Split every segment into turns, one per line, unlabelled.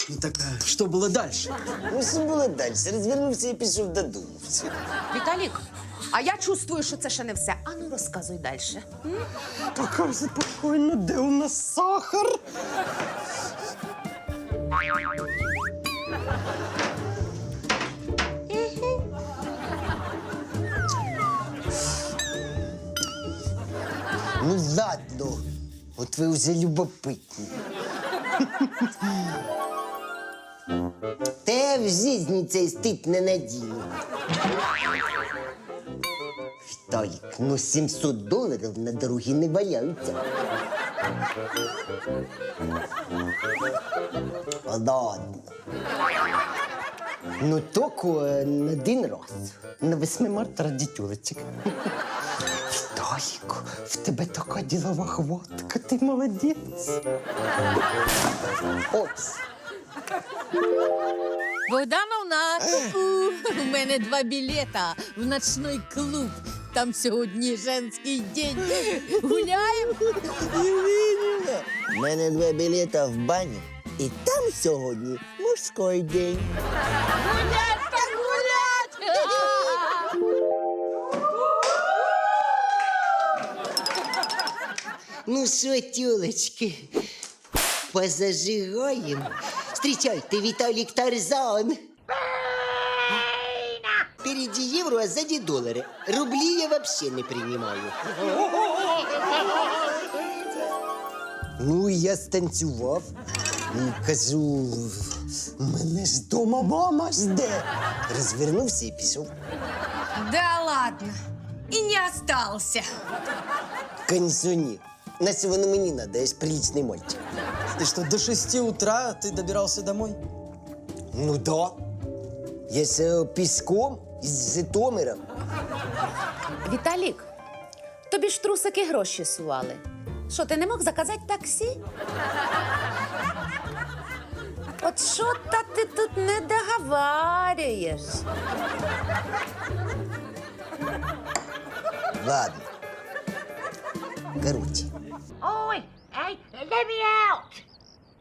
Ну так, что было дальше?
Ну, що було далі? Розвернувся і пішов додому. Все.
Віталік, а я чувствую, що це ще не все. Ану, розказуй далі.
Пока спокойно, де у нас сахар?
Ну ладно, от ви вже любопитні. Та в житті цей стид не надію. Віталік, ну $700 на дорогі не валяються. Ладно. Ну, тільки на один раз. На 8 марта ради тюлечек. Віталік, в тебе така ділова хватка, ти молодець. Опс.
Богдановна, у мене 2 білета в ночний клуб. Там сьогодні женський день. Гуляємо?
У мене 2 білета в баню, і там сьогодні мужський день.
Гулять так гулять!
Ну що, тюлечки, позажигаємо. Встречайте, Віталік Тарзан. Впереди євро, а сзади долари. Рублі я вообще не принимаю. Ну, я станцював. І кажу, мене ж дома мама жде. Розвернувся і пішов.
Да ладно. І не остался.
Конечно, ні. Настя, воно мені надо, я ж приличний мальчик.
Ты что, до 6 утра ты добирался домой?
Ну да. Я ж пішком із Житомира.
Віталік, тобі ж трусики гроші сували. Що, ти не мог заказати таксі? От що-то ти тут не договарюєш.
Ладно. Короче.
Oi! Hey, let me out!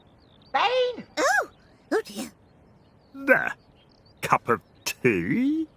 Bane?
There. Cup of tea?